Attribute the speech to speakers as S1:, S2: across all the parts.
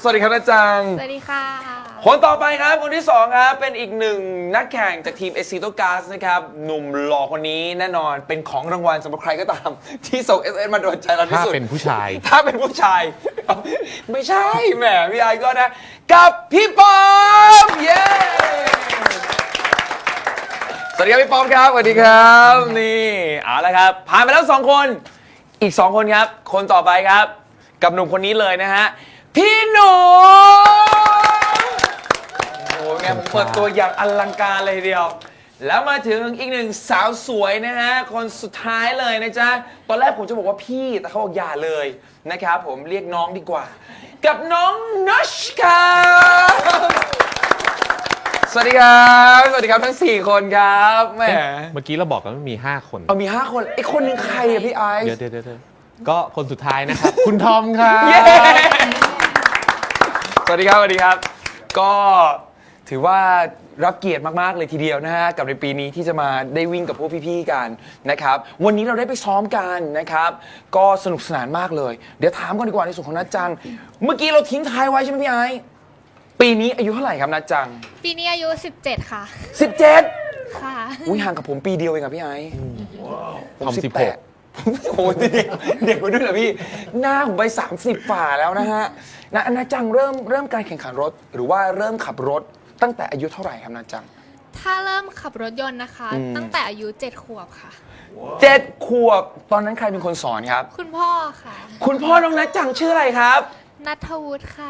S1: สวัสดีครับนะจัง
S2: สวัสดีค่ะ
S1: คนต่อไปครับคนที่2ครับเป็นอีกหนึ่งนักแข่งจากทีม Exito Gas นะครับหนุ่มหล่อคนนี้แน่นอนเป็นของรางวัลสำหรับใครก็ตามที่ส่ง SMS มาโดนใจเราที่สุด
S3: ถ้าเป็นผู้ชาย
S1: ถ้าเป็นผู้ชาย ไม่ใช่แหมพี่ไอก็นะกับพี่ปอมเย้สวัสดีครับพี่ปอมครับสวัสดีครับนี่เอาละครับผ่านไปแล้ว2คนอีก2คนครับคนต่อไปครับกับหนุ่มคนนี้เลยนะฮะพี่หนูโอ้โหไงผมเปิดตัวอย่างอลังการเลยทีเดียวแล้วมาถึงอีกหนึ่งสาวสวยนะฮะคนสุดท้ายเลยนะจ๊ะตอนแรกผมจะบอกว่าพี่แต่เขาบอกอย่าเลยนะครับผมเรียกน้องดีกว่ากับน้องนัชครับสวัสดีครับสวัสดีครับทั้ง4คนครับแหม
S3: เมื่อกี้เราบอกกันว่ามี5 คน
S1: เอามี5คนไอ้คนหนึงใครอะพี่ไอซ์
S3: เดี๋ยวก็คนสุดท้ายนะครับ คุณทอมครับ
S1: เย้สวัสดีครับสวัสดีครับ ก็ถือว่ารับเกียรติมากๆเลยทีเดียวนะฮะกับในปีนี้ที่จะมาได้วิ่งกับพวกพี่ๆกันนะครับวันนี้เราได้ไปซ้อมกันนะครับก็สนุกสนานมากเลยเดี๋ยวถามก่อนดีกว่าในส่วนของนัดจังเมื่อกี้เราทิ้งท้ายไว้ใช่ไหมพี่ไอซ์ปีนี้อายุเท่าไหร่ครับนัดจัง
S2: ปีนี้อายุ17ค่ะ
S1: 17
S2: ค่ะ
S1: อุ้ยห่างกับผมปีเดียวเองครับพี่ไอซ์ผม
S3: ทอม
S1: โอ้โหเด็กกว่าด้วยเหรอพี่หน้าผมไป30ฝ่าแล้วนะฮะนาจังเริ่มการแข่งขันรถหรือว่าเริ่มขับรถตั้งแต่อายุเท่าไหร่ครับนาจัง
S2: ถ้าเริ่มขับรถยนต์นะคะ ตั้งแต่อายุ7 ขวบค่ะ
S1: 7 ขวบตอนนั้นใครเป็นคนสอนครับ
S2: คุณพ่อค่ะ
S1: คุณพ่อน้องนาจังชื่ออะไรครับ
S2: นัทวุฒิค่ะ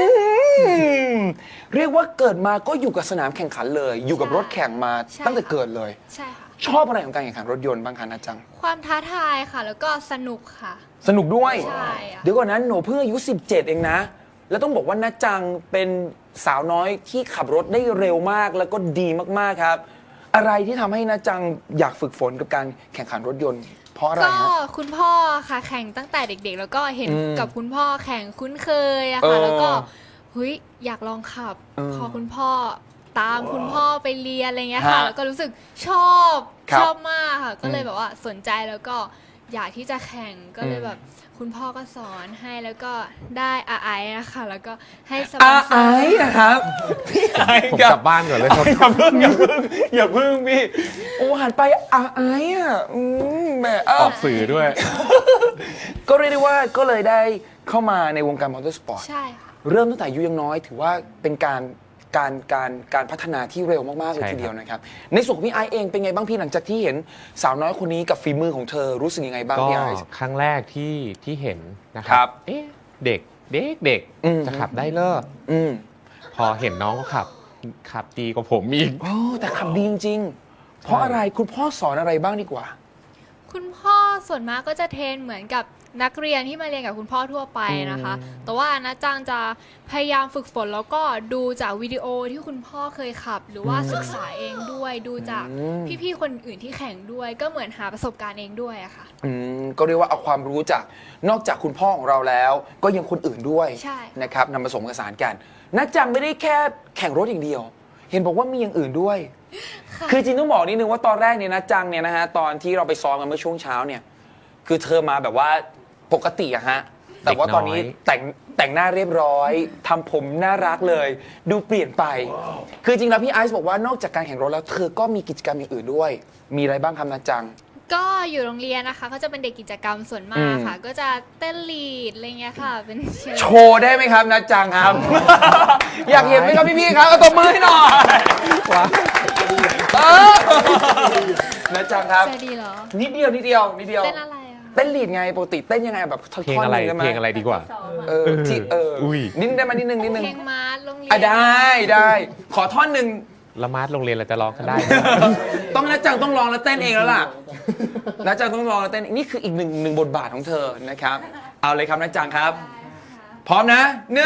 S1: เรียกว่าเกิดมาก็อยู่กับสนามแข่งขันเลย อยู่กับรถแข่งมา
S2: ใช่
S1: ตั้งแต่เกิดเลย
S2: ใช่ค่ะ
S1: ชอบอะไรของการแข่งขันรถยนต์บ้างคะนาจัง
S2: ความท้าทายค่ะ แล้วก็สนุกค่ะ
S1: สนุกด้วย
S2: ใช่อะ
S1: เดี๋ยวก่อนนั้นหนูเพิ่งอายุ17เองนะ แล้วต้องบอกว่านาจังเป็นสาวน้อยที่ขับรถได้เร็วมากแล้วก็ดีมากๆครับ อะไรที่ทำให้นาจังอยากฝึกฝนกับการแข่งขันรถยนต์ เพราะอะไร
S2: ก็
S1: ฮะ
S2: คุณพ่อค่ะแข่งตั้งแต่เด็กๆ แล้วก็เห็น
S1: อืม
S2: กับคุณพ่อแข่งคุ้นเคยอะ
S1: เอ
S2: ค่ะ
S1: อ
S2: แล้วก็เฮ้ยอยากลองขับ
S1: เออ
S2: พอคุณพ่อตามคุณพ่อไปเรียนอะไรเงี้ยค่ะ
S1: ฮะ
S2: แล้วก็รู้สึกชอบ
S1: ครับ
S2: ชอบมากค่ะ ก็เลยแบบว่าสนใจแล้วก็อยากที่จะแข่งก็เลยแบบคุณพ่อก็สอนให้แล้วก็ได้ไอนะคะแล้วก็ให้สปอนเซอ
S1: ไอ้
S2: ร์
S1: นะครับพี่ไอ้
S3: ผม
S1: กับ
S3: กลับบ้านก่อนเลยครับ
S1: อย่าเพิ่งพี่โอ้หันไปไอ้อะแหม
S3: ออกสื่อด้วย
S1: ก็เรียกได้ว่าก็เลยได้เข้ามาในวงการมอเตอร์สปอร์ต
S2: ใช่ค่ะ
S1: เริ่มตั้งแต่อายุยังน้อยถือว่าเป็นการพัฒนาที่เร็วมากๆเลย
S3: ใช่ครับ
S1: ทีเดียวนะครับในส่วนของพี่ไอซ์เองเป็นไงบ้างพี่หลังจากที่เห็นสาวน้อยคนนี้กับฝีมือของเธอรู้สึกยังไงบ้าง
S3: ก็
S1: พี่ไอซ์
S3: ครั้งแรกที่เห็นนะค
S1: ครั
S3: รับ เอ๊ะเด็ก
S1: อืม
S3: จะขับได้เลอ
S1: อืม
S3: พอเห็นน้องเขาขับดีกว่าผมอีก
S1: โอ้แต่ขับดีจริงๆเพราะอะไรคุณพ่อสอนอะไรบ้างดีกว่า
S2: คุณพ่อส่วนมากก็จะเทรนเหมือนกับนักเรียนที่มาเรียนกับคุณพ่อทั่วไปนะคะ แต่ว่านะจังจะพยายามฝึกฝนแล้วก็ดูจากวิดีโอที่คุณพ่อเคยขับ หรือว่าศึกษาเองด้วยดูจาก
S1: อืม
S2: พี่ๆคนอื่นที่แข่งด้วย ก็เหมือนหาประสบการณ์เองด้วยอะค่ะ
S1: ก็เรียกว่าเอาความรู้จากนอกจากคุณพ่อของเราแล้ว ก็ยังคนอื่นด้วย
S2: ใช่
S1: นะครับนำผสมผสานกันนักจังไม่ได้แค่แข่งรถอย่างเดียว เห็นบอกว่ามีอย่างอื่นด้วย คือจริงต้องบอกนิดนึงว่าตอนแรกเนี่ยนะจังเนี่ยนะฮะตอนที่เราไปซ้อมกันเมื่อช่วงเช้าเนี่ยคือเธอมาแบบว่าปกติอะฮะแต่ว่าตอนนี้
S3: เด็กน้อย
S1: แต่งหน้าเรียบร้อยทำผมน่ารักเลย ดูเปลี่ยนไป คือจริงแล้วพี่ไอซ์บอกว่านอกจากการแข่งรถแล้วเธอก็มีกิจกรรมอย่างอื่นด้วย มีอะไรบ้างครับนะจัง
S2: ก็อยู่โรงเรียนนะคะก็จะเป็นเด็กกิจกรรมส่วนมากค่ะ ก็จะเต้นลีดอะไรเงี้ยค่ะ เป็นเชียร์
S1: โชว์ได้ไหมครับนะจังครับ อยากเห็นไหมครับพี่ๆครับเอาตบมือให้หน่อยเออนะจังครับ
S2: จะดีเหรอ
S1: นิดเดียว
S2: เต้นอะไรอะ
S1: เต้นลีดไงปกติเต้นยังไงแบบท่อน
S3: เพลงอะไร
S1: หนึ่งได้ไหม
S3: เพลงอะไรดีกว่า
S1: ที่
S3: อุ้ย
S1: นิดได้ไหมนิดนึง
S2: เพลงมาร์ชโรงเรีย
S1: อ่ะ
S2: น
S1: ได้ขอท่อนหนึ่ง
S3: ละมาดโรงเรียนเราจะร้องกันได้ไหม
S1: ต้องนะจังต้องลองแล้วเต้นเองแล้วล่ะนะจังต้องลองแล้วเต้นนี่คืออีกหนึ่งบทบาทของเธอนะครับ เอาเลยครับนะจังครับ พร้อมนะ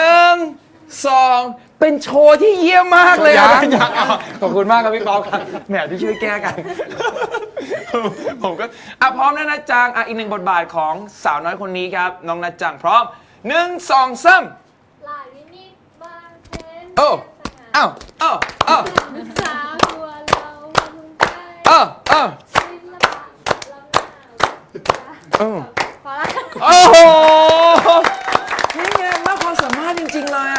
S1: 1 2เป็นโชว์ที่เยี่ยมมากเลยอะยังขอบคุณมากครับพี่ป๊อปครับแหมที่ช่วยแก้กัน ผมก็พร้อมนะจังอีกหนึ่งบทบาทของสาวน้อยคนนี้ครับน้องนะจังพร้อม1 2 3โอ้อ้าวอ้าวอ้าวอ้าวอ้าวโอ้โหนี่ไงมากความสามารถจริงๆเลยอ่ะ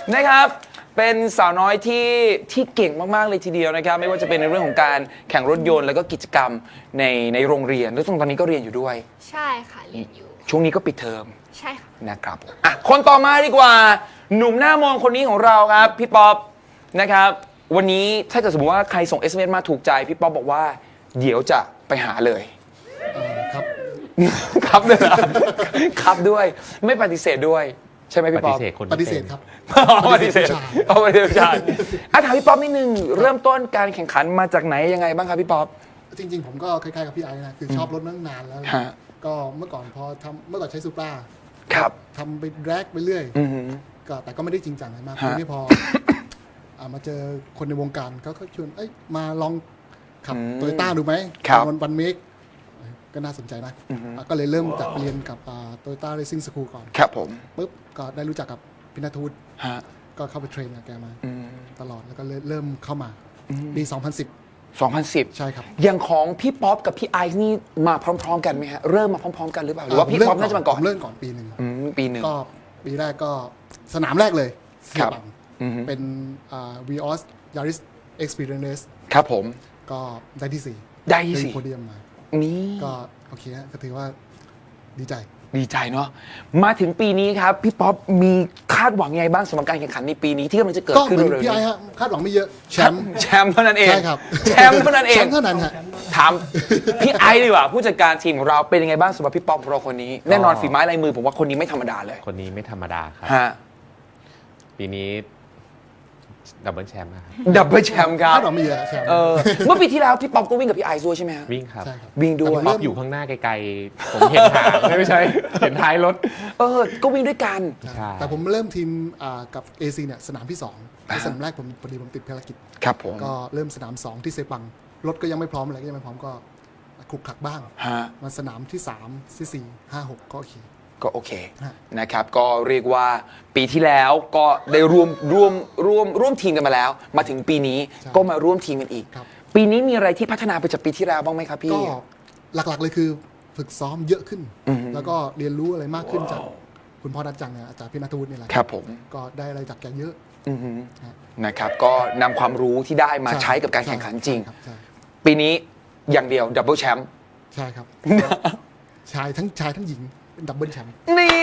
S1: นะครับเป็นสาวน้อยที่เก่งมากๆเลยทีเดียวนะครับไม่ว่าจะเป็นในเรื่องของการแข่งรถยนต์แล้วก็กิจกรรมในโรงเรียนแล้วตอนนี้ก็เรียนอยู่ด้วย
S2: ใช่ค่ะเรียนอยู่
S1: ช่วงนี้ก็ปิดเทอม
S2: ใช่ค่ะ
S1: นะครับอ่ะคนต่อมาดีกว่า หนุ่มหน้ามองคนนี้ของเราครับพี่ป๊อปนะครับวันนี้ถ้าเกิดสมมติว่าใครส่ง SMS มาถูกใจพี่ป๊อปบอกว่าเดี๋ยวจะไปหาเลย
S4: ครับ
S1: ครับด้วยนะ ครับด้วยไม่ปฏิเสธด้วยใช่ไหม
S3: ป
S1: พี่ป๊
S3: ฏิ
S1: อป
S3: เสธคน
S4: ป
S3: ที่
S4: ฏิเสธ
S3: เป็น
S4: ครับ
S1: ปฏิเสธปฏิเสธใช่อ่ะถามพี่ป๊อปนิดนึงเริ่มต้นการแข่งขันมาจากไหนยังไงบ้างครับพี่ป๊อป
S4: จริงๆ ผมก็คล้ายๆกับพี่ไอ้นะคือชอบรถมาตั้งนานแล้ว
S1: ฮะ
S4: ก็เมื่อก่อนเมื่อก่อนใช้ซูปรา
S1: ครับ
S4: ทำไปแรกไปเรื่อย
S1: อือหือ
S4: ก็แต่ก็ไม่ได้จริงจังอะไรมาก
S1: ฮะ
S4: ทีนี้พอ มาเจอคนในวงการเขาก็ชวนมาลองขับโตโยต้าดูไหม
S1: ครับ
S4: วันเมกก็น่าสนใจนะก็เลยเริ่มจากเรียนกับโตโยต้าเรซิ่งสคูลก่อน
S1: ครับผม
S4: ปุ๊บก็ได้รู้จักกับพินาทูต
S1: ฮะ
S4: ก็เข้าไปเทรนกับแกมา
S1: อืม
S4: ตลอดแล้วก็เริ่มเข้ามาปี 2010
S1: 2010
S4: ใช่ครับ
S1: อย่างของพี่ป๊อปกับพี่ไอซ์นี่มาพร้อมๆกันไหมฮะเริ่มมาพร้อมๆกันหรือเปล่าหรือว่าพี่ป๊อปน่าจะมาก่อน
S4: ผมเริ่มก่อนปีหนึ่ง
S1: ปีหนึ่ง
S4: ก็ปีแรกก็สนามแรกเลยเสี
S1: ครั
S4: ย
S1: บ
S4: บัง
S1: อือฮึ
S4: เป็นVios Yaris Experience
S1: ครับผม
S4: ก็ได้ที่ 4
S1: ได้ที่
S4: เป็น
S1: สี่
S4: โพเดียมมา
S1: นี่
S4: ก็โอเคฮะก็ถือว่าดีใจ
S1: ดีใจเนาะมาถึงปีนี้ครับพี่ป๊อปมีคาดหวังยังไงบ้างสำหรับการแข่งขันในปีนี้ที่กำลังจะเกิด
S4: ก็
S1: ขึ้น
S4: เหมือน
S1: เร็วๆ
S4: พี่ไอ้
S1: นี้
S4: ฮะคาดหวังไม่เยอะแชมป์
S1: แชมป์เท่านั้นเอง
S4: ใช่ครับ
S1: แชมป์เท่านั้นเอ
S4: แช
S1: ง
S4: มป์เท่านั้นฮะ
S1: ถามพี่ไอซ์ดีกว่าผู้จัดการทีมของเราเป็นยังไงบ้างสำหรับพี่ป๊อปของเราคนนี้แน่นอนฝีไม้ลายมือผมว่าคนนี้ไม่ธรรมดาเลย
S3: คนนี้ไม่ธรรมดาครับ
S1: ฮะ
S3: ปีนี้ดับเบิลแชมป์นะครับ
S1: ดับเบิลแชมป์ครับ
S4: คาดหวังไม่เยอะแชมป์
S1: เมื่อปีที่แล้วพี่ป๊อปก็วิ่งกับพี่ไอซ์ด้วยใช่ไหมฮะ
S3: วิ่งครับ
S4: ใช่ครับ
S1: วิ่งด้วย
S3: ป๊อปอยู่ข้างหน้าไกลๆ ผมเห็นทางไม่ใช่ เห็นท้ายรถ
S1: ก็วิ่งด้วยกัน
S3: ใช่
S4: แต่ผมเริ่มทีมกับ AC เนี่ยสนามที่2ในสนามแรกผมพอดีผมติดภารกิจ
S1: ครับผม
S4: ก็เริ่มสนาม 2 ที่เซปัง รถก็ยังไม่พร้อมอะไรก็ยังไม่พร้อมก็คลุกคลักบ้าง
S1: ฮะ
S4: มาสนามที่ 3 ที่ 4 5 6 ก็โอเค
S1: ก็โอเค
S4: ฮะ
S1: นะครับก็เรียกว่าปีที่แล้วก็ได้ร่วมทีมกันมาแล้ว มาถึงปีนี้ก็มาร่วมทีมกันอีก
S4: ครับ
S1: ปีนี้มีอะไรที่พัฒนาไปจากปีที่แล้วบ้างไหมครับพี่
S4: ก็หลักๆเลยคือฝึกซ้อมเยอะขึ้น
S1: อือฮึ
S4: แล้วก็เรียนรู้อะไรมากขึ้นจากคุณพ่อดัดจังเนี่ยอาจารย์พินาทูตนี่แหละ
S1: ครับผม
S4: ก็ได้อะไรจากแกเยอะ
S1: อือฮึ
S4: ฮะ
S1: นะครับก็นำความรู้ที่ได้มาใช้กับการแข่งขันจริง
S4: ใช่
S1: ปีนี้อย่างเดียวดับเบิลแชมป์
S4: ใช่ครับ ชายทั้งหญิงเป็นดับเบิลแชมป์
S1: นี่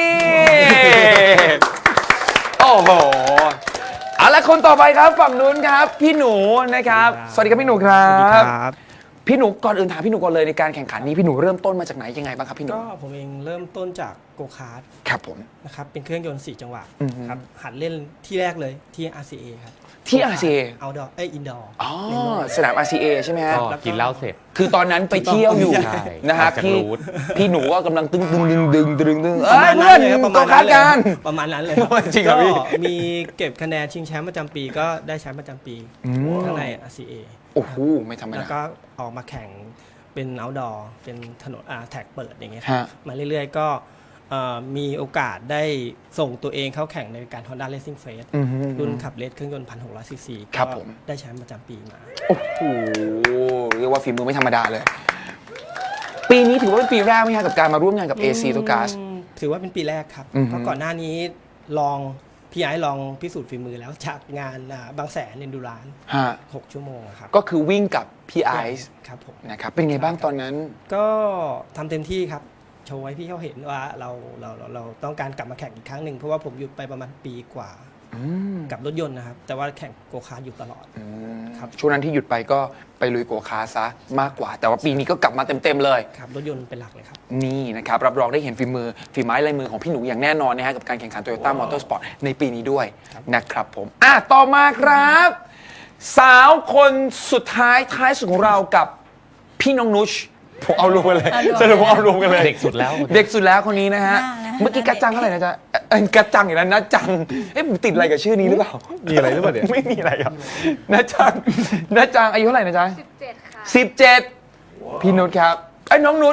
S1: โอ้โหเอาละคนต่อไปครับฝั่งนู้นครับ พี่หนูนะครับ สวัสดีครับพี่หนูครับ
S5: ครับ
S1: พี่หนูก่อนอื่นถามพี่หนูก่อนเลยในการแข่งขันนี้พี่หนูเริ่มต้นมาจากไหนยังไงบ้างครับพี่หนู
S5: ก็ผมเองเริ่มต้นจากโกคาร์ท
S1: ครับผม
S5: นะครับเป็นเครื่องยนต์ 4 จังหวะ
S1: อือฮึ
S5: ครับหัดเล่นที่แรกเลยที่ RCA ครับ
S1: ที่ RCA
S5: เอาดออินดอร์
S1: อ๋อสนาม RCA ใช่ไหมฮะ
S3: ก็กินเหล้าเสร็จ
S1: คือตอนนั้นไปเที่ยวอยู่
S3: ใช่
S1: นะครับ
S3: ออกจาก
S1: พี่
S3: รูท
S1: พี่หนูก็กำลังตึงเอ้
S5: ประ
S1: ย
S5: มาณ
S1: เพื่
S5: นั้
S1: อน
S5: นเลยครับ
S1: ก็คาดการณ์
S5: ประมาณนั้นเลยคบ
S1: จริงเหรอพี่
S5: ก็มีเก็บคะแนนชิงแชมป์ประจำปีก็ได้แชมป์ประจำปีข้างใน RCA
S1: โอ้โหไม่ธรรม
S5: แล้ว
S1: ดา
S5: ก็ออกมาแข่งเป็น outdoor เป็นถนนแท็กเปิดอย่างเงี้ย
S1: ฮะ
S5: มาเรื่อยๆก็มีโอกาสได้ส่งตัวเองเข้าแข่งในการ Honda Racing Face
S1: อือฮึ
S5: รุ่นขับเลสเครื่องยนต์ 1,600 ซีซี
S1: ครับ
S5: ก็
S1: ผม
S5: ได้แชมป์ประจำปีมา
S1: โอ้โหเรียกว่าฝีมือไม่ธรรมดาเลย ปีนี้ถือว่าเป็นปีแรกไหมครับกับการมาร่วมงานกับ AC ตัวกาส
S5: ถือว่าเป็นปีแรกครับ
S1: อือฮึ
S5: เพราะก่อนหน้านี้ลองพี่ไอ้ลองพิสูจน์ฝีมือแล้วจากงานบางแสนเอนดูราน
S1: ฮะ
S5: 6 ชั่วโมงอะครับ
S1: ก็คือวิ่งกับพี่ไอซ์
S5: ครับผม
S1: นะครับเป็นไงบ้างตอนนั้น
S5: ก็ทำเต็มที่ครับ โชว์ให้พี่เขาเห็นว่าเราต้องการกลับมาแข่งอีกครั้งหนึ่งเพราะว่าผมหยุดไปประมาณปีกว่า
S1: อืม
S5: กับรถยนต์นะครับ แต่ว่าแข่งโกคาร์ทอยู่ตลอด ครับ
S1: ช่วงนั้นที่หยุดไปก็ไปลุยโกคาร์ทซะมากกว่า แต่ว่าปีนี้ก็กลับมาเต็มๆเลย
S5: ครับรถยนต์เป็นหลักเลยครับ
S1: นี่นะครับรับรองได้เห็นฝีไม้ลายมือของพี่หนูอย่างแน่นอนนะฮะกับการแข่งขัน Toyota Motorsport ในปีนี้ด้วยนะครับผมต่อมาครับ สาวคนสุดท้ายสุดของเรากับพี่น้องนุชผมเอารวมกันเลยสรุปผมเอารวมกันเลย
S3: เด็กสุดแล้ว
S1: เด็กสุดแล้วคนนี้นะฮะ เมื่อกี้กัจจังเท่าไหร่นะจ๊ะกัจจังอย่างนั้นนะจังผมติดอะไรกับชื่อนี้หรือเปล่า
S3: มีอะไรหรือเปล่าเนี่ย
S1: ไม่มีอะไรครับนะจังอายุเท่าไหร่นะจ๊ะ
S2: 17 ค่ะ
S1: 17 พี่นุชครับน้องนุช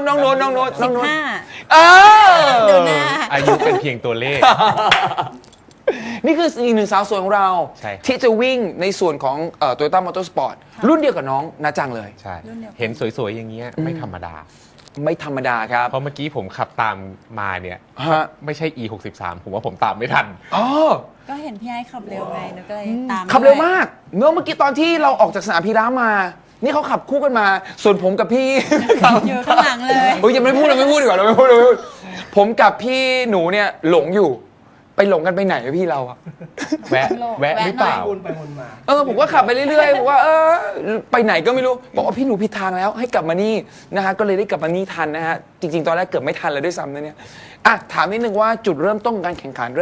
S6: 15
S1: เออ
S6: ดูหน้า
S3: อายุเป็นเพียงตัวเลข
S1: นี่คืออีกหนึ่งสาวสวยของเรา
S3: ใช่ครับ
S1: ที่จะวิ่งในส่วนของToyota Motorsport รุ่นเดียวกับน้องนะจังเลย
S3: ใช่
S6: รุ่นเดียวกัน
S3: เห็นสวยๆอย่างเงี้ยไม่ธรรมดา
S1: ไม่ธรรมดาครับ
S3: เพราะเมื่อกี้ผมขับตามมาเนี่ย
S1: ฮะ
S3: ไม่ใช่ E 63ผมว่าผมตามไม่ทัน
S1: อ๋อ
S6: ก็เห็นพี่ไอ้ขับเร็วไงหนูก็เลยตาม
S1: ขับเร็ว
S6: ด้วย
S1: มากเมื่อกี้ตอนที่เราออกจากสนามพีระมา นี่เขาขับคู่กันมา ส่วนผมกับพี่
S6: อยู่ข้างหลังเลย
S1: โอ้ยยังไม่พูดเราไม่พูดดีกว่าเราไม่พูดผมกับพี่หนูเนี่ยหลงอยู่ ไปหลงกันไปไหนอะพี่เราอะ
S3: แวะหรือเปล่า
S5: วนไปวนมา
S1: ผมก็ขับไปเรื่อยๆบอกว่าไปไหนก็ไม่รู้บอกว่าพี่หนูผิดทางแล้วให้กลับมานี่นะฮะก็เลยได้กลับมานี่ทันนะฮะจริงๆตอนแรกเกือบไม่ทันเลยด้วยซ้ำนะเนี่ยอ่ะถามนิดนึงว่าจุดเริ่มต้นของการแข่งขัน